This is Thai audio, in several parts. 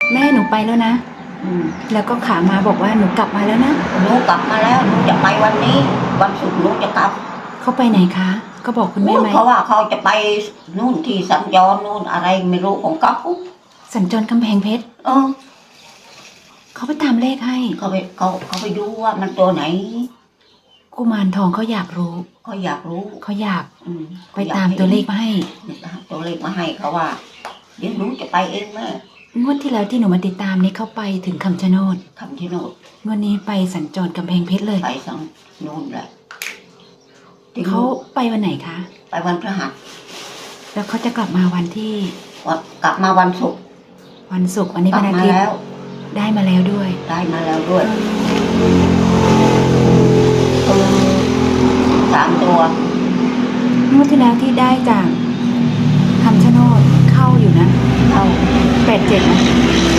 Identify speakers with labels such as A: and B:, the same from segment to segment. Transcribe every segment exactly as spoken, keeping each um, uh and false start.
A: แม่หนูไปแล้วนะ
B: อืม
A: แล้วก็ขามาบอกว่าหนูกลับมาแล้วนะ
B: หนูกลับมาแล้วหนูจะไปวันนี้วันศุกร์หนูจะกลับ
A: เขาไปไหนคะก็บอกคุณแม่ไหม
B: เพราะว่าเขาจะไปนู่นที่สัญจรนู่นอะไรไม่รู้ของเขา
A: สัญจรกำแพงเพชร
B: เออ
A: เขาไปตามเลขให้
B: เขาไปเขาเขาไปดูว่ามันตัวไหน
A: กุมารทองเขาอยากรู้
B: เขาอยากรู้
A: เขาอยาก
B: อืม
A: ไปตามตัวเลขมาให้
B: ตัวเลขมาให้เขาว่าเดี๋ยวหนูจะไปเองแม่
A: งวดที่แล้วที่หนูมาติดตามนี่เขาไปถึงคำชะโนด
B: คำชะโนด
A: งวดนี้ไปสัญจรกำแพงเพชรเลย
B: ไปสังนู่นแหละ
A: เขาไปวันไหนคะ
B: ไปวันพฤหัส
A: แล้วเขาจะกลับมาวันที่
B: วันกลับมาวันศุกร์
A: วันศุกร์วันนี้เป็นอาทิตย์ได้มาแล้วด้วย
B: ได้มาแล้วด้วยคือสามตัว
A: งวดที่แล้วที่ได้จากคำชะโนดเข้าอยู่นะ
B: เข้า
A: แปดเจ็ดนะ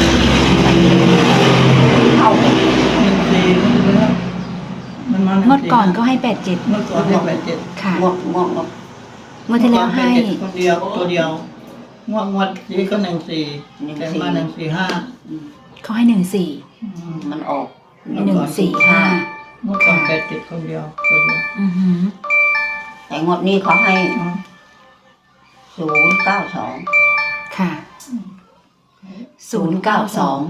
B: เข้า
C: หนึ่งสี่มันมา
A: เมื่อก่อนก็ให้แปดเจ็ด
C: เมื่อก่อนให้แปดเจ็ด
A: ค่ะ
B: งวดงวดงวด
A: เมื่อที่แล้วให้
C: คนเดียวตัวเดียวงวดงวดนี้ก็หนึ่งสี่แต่มาหนึ่งสี่ห้า
A: เขาให้หนึ่งสี่
B: มันออก
A: หนึ่งสี่ห้า
C: เมื่อก่อนแปดเจ็ดคนเดียวตัวเดียว
A: อือหือ
B: แต่งวดนี้เขาให้ศูนย์เก้าสอง
A: ค่ะศูนย์เก้าสอง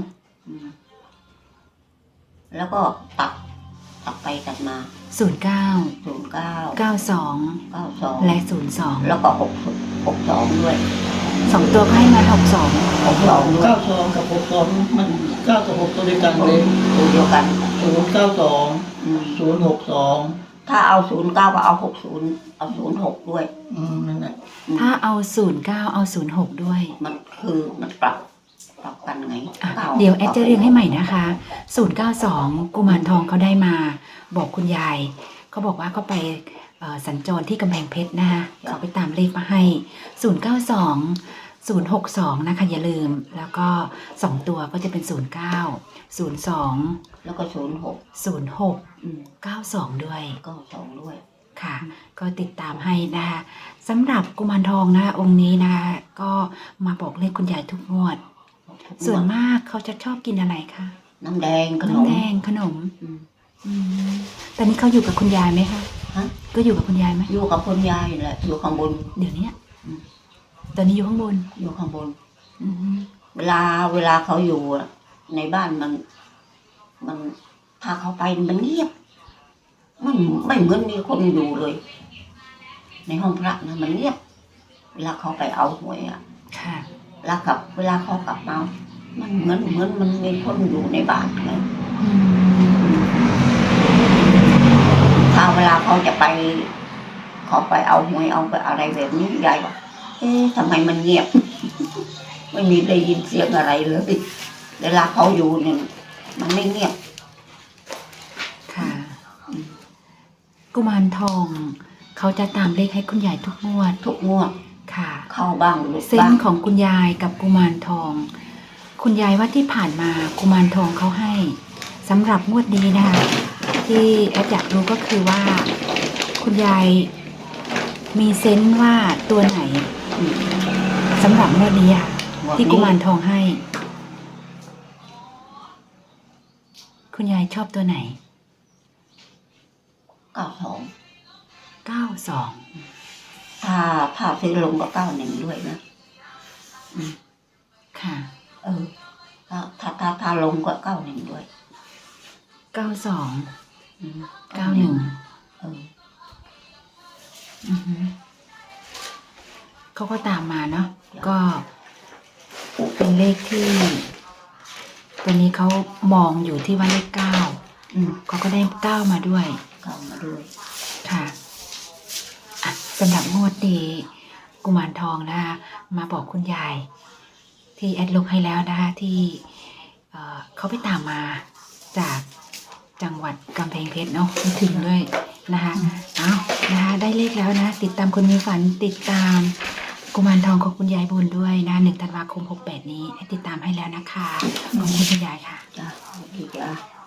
B: แล้วก็ตัดตัดไปตัดมา
A: ศูนย์เก้า
B: ศูนย์เก้า
A: เก้าสอง
B: เก้าสอง
A: และศูนย์สอง
B: แล้วก็หกหกสองด้วย
A: สองตัวก็ให้มาหกสอง
B: หกสอง
C: เก้าสองกับหกสองมันเก้ากับหกตัวเดียวกันเลย
B: ตัวเดียวกัน
C: ศูนย์เก้าสองศูนย์หกสอง
B: ถ้าเอาศูนย์เก้าก็เอาหกศูนย์เอาศูนย์หกด้วย
C: อืมนั่นแหละ
A: ถ้าเอาศูนย์เก้าเอาศูนย์หกด้วย
B: มันคือมันปรับปรับกันไง
A: เดี๋ยวแอดจะเรียงให้ใหม่นะคะศูนย์เก้าสองกุมารทองเขาได้มาบอกคุณยายเขาบอกว่าเขาไปสัญจรที่กำแพงเพชรนะคะเขาไปตามเลขมาให้ศูนย์เก้าสองศูนย์หกสองนะคะอย่าลืมแล้วก็สองตัวก็จะเป็นศูนย์เก้าศูนย์สอง
B: แล้วก็ศูนย์หก
A: ศูนย์หกเก้าสองด้วย
B: เก้าสองด้วย
A: ค่ะก็ติดตามให้นะคะสำหรับกุมารทองนะคะองค์นี้นะคะก็มาบอกเลขคุณยายทุกงวดส่วนมากเขาจะชอบกินอะไรคะ
B: น้ำแดงขนม
A: น้ำแดงขนมตอนนี้เขาอยู่กับคุณยายไหมคะก็อยู่กับคุณยายไหม
B: อยู่กับคุณยายแหละอยู่ข้างบน
A: เดี๋ยวนี้ตอนนี้อยู่ข้างบน
B: อยู่ข้างบนเวลาเวลาเขาอยู่ในบ้านมันมันพาเขาไปมันเงียบมันไม่เหมือนมีคนอยู่เลยในห้องพระนะมันเงียบเวลาเขาไปเอาหวยอ่ะ
A: ค่ะ
B: เวลากลับเวลาเขากลับมามันเหมือนเหมือนมันมีคนอยู่ในบ้านไงถ้าเวลาเขาจะไปเขาไปเอาหวยเอาไปอะไรแบบนี้ยายบอกเอ๊ะทำไมมันเงียบไม่มีได้ยินเสียงอะไรเลยเวลาเขาอยู่เนี่ยมันไม่เงียบ
A: ค่ะกุมารทองเขาจะตามเลขให้คุณยายทุกงวด
B: ทุกงวด
A: ค่ะ
B: เข้าบ้างหรือ
A: เส้นของคุณยายกับกุมารทองคุณยายว่าที่ผ่านมากุมารทองเขาให้สำหรับงวดนี้นะคะที่แอดอยากรู้ก็คือว่าคุณยายมีเซนส์ว่าตัวไหนสำหรับงวดนี้ค่ะที่กุมารทองให้คุณยายชอบตัวไหน
B: เก้าสอง
A: เก้าสอง
B: ถ้าถ้าซื้อลงก็เก้าหนึ่งด้วยนะ
A: ค่ะ
B: เออถ้าถ้าถ้าถ้าลงก็เก้าหนึ่งด้วย
A: เก้าสองเก้าหนึ่ง
B: เออ
A: เขาก็ตามมาเนาะก็เป็นเลขที่ตัวนี้เขามองอยู่ที่ว่าเลขเก้าเขาก็ได้เก้ามาด้วย
B: เก้ามาด้วย
A: ค่ะสำหรับงวดนี้กุมารทองนะคะมาบอกคุณยายที่แอดลงให้แล้วนะคะที่เขาไปตามมาจากจังหวัดกำแพงเพชรเนาะถึงด้วยนะคะเอานะคะได้เลขแล้วนะติดตามคนมีฝันติดตามกุมารทองของคุณยายบุญด้วยนะหนึ่งธันวาคมหกแปดนี้ติดตามให้แล้วนะคะขอบคุณคุณยายค่ะ
B: จ้าดีจ้า